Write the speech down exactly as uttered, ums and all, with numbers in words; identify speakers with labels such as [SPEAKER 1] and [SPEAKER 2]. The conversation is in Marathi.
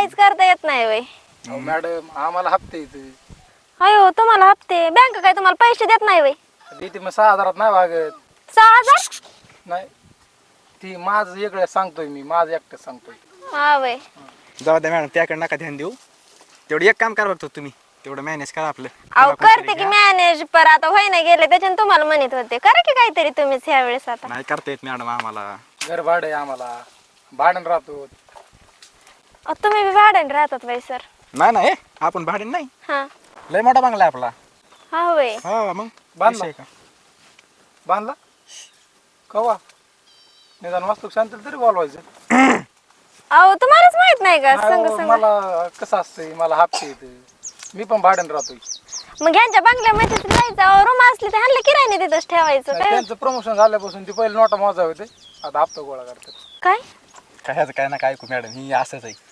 [SPEAKER 1] काहीच करता येत नाही वय.
[SPEAKER 2] अहो मॅडम आम्हाला हप्ते येते
[SPEAKER 1] अयो तुम्हाला हप्ते बँक काय तुम्हाला पैसे देत नाही वय.
[SPEAKER 2] देते मग सहा हजारात नाही वागत
[SPEAKER 1] सहा हजार
[SPEAKER 2] नाही ती माझं वेगळं सांगतोय मी माझं एकटं सांगतोय.
[SPEAKER 1] हा वय.
[SPEAKER 3] जाऊ द्या मॅडम त्याकडे नका ध्यान देऊ. तेवढं एक काम करा बघतो तुम्ही तेवढं मॅनेज करा आपलं.
[SPEAKER 1] अहो
[SPEAKER 3] कोणाकोणतरी
[SPEAKER 1] करते की
[SPEAKER 3] घ्या.
[SPEAKER 1] मॅनेज पर आता होय नाही गेले त्याच्यानं तुम्हाला म्हणत होते करा की काहीतरी तुम्हीच ह्या वेळेस आता.
[SPEAKER 3] नाही करता येत मॅडम आम्हाला.
[SPEAKER 2] घर भाडं आहे आम्हाला भाडण राहतो.
[SPEAKER 1] अहो, तुम्ही बी भाड्याने राहतात वय सर.
[SPEAKER 3] नाही नाही आपण भाडे नाही
[SPEAKER 1] हा
[SPEAKER 3] लय मोठा बंगला आहे आपला.
[SPEAKER 1] हा वय.
[SPEAKER 3] हा मग
[SPEAKER 2] बांधला?
[SPEAKER 3] विषय का?
[SPEAKER 2] बांधला कवा निदान वास्तू शांत तरी बोलवायचं.
[SPEAKER 1] अहो तुम्हालाच माहित नाही का
[SPEAKER 2] नाही
[SPEAKER 1] संग
[SPEAKER 2] हो,
[SPEAKER 1] संग.
[SPEAKER 2] मला कसं असतंय मला हप्ते येते मी पण भाड्यानं राहतोय.
[SPEAKER 1] मग ह्यांच्या बंगल्यामध्ये जायचं रूम असली तर ह्यांना किरायने तिथंच ठेवायचं
[SPEAKER 2] नाही,
[SPEAKER 1] काय.
[SPEAKER 2] त्यांचं प्रमोशन झाल्यापासून ते पहिले नोटा मोजा होते आता हप्ता गोळा करतात.
[SPEAKER 1] काय
[SPEAKER 3] काय ह्याचं काय ना काय ऐकू मॅडम ही असंच आहे.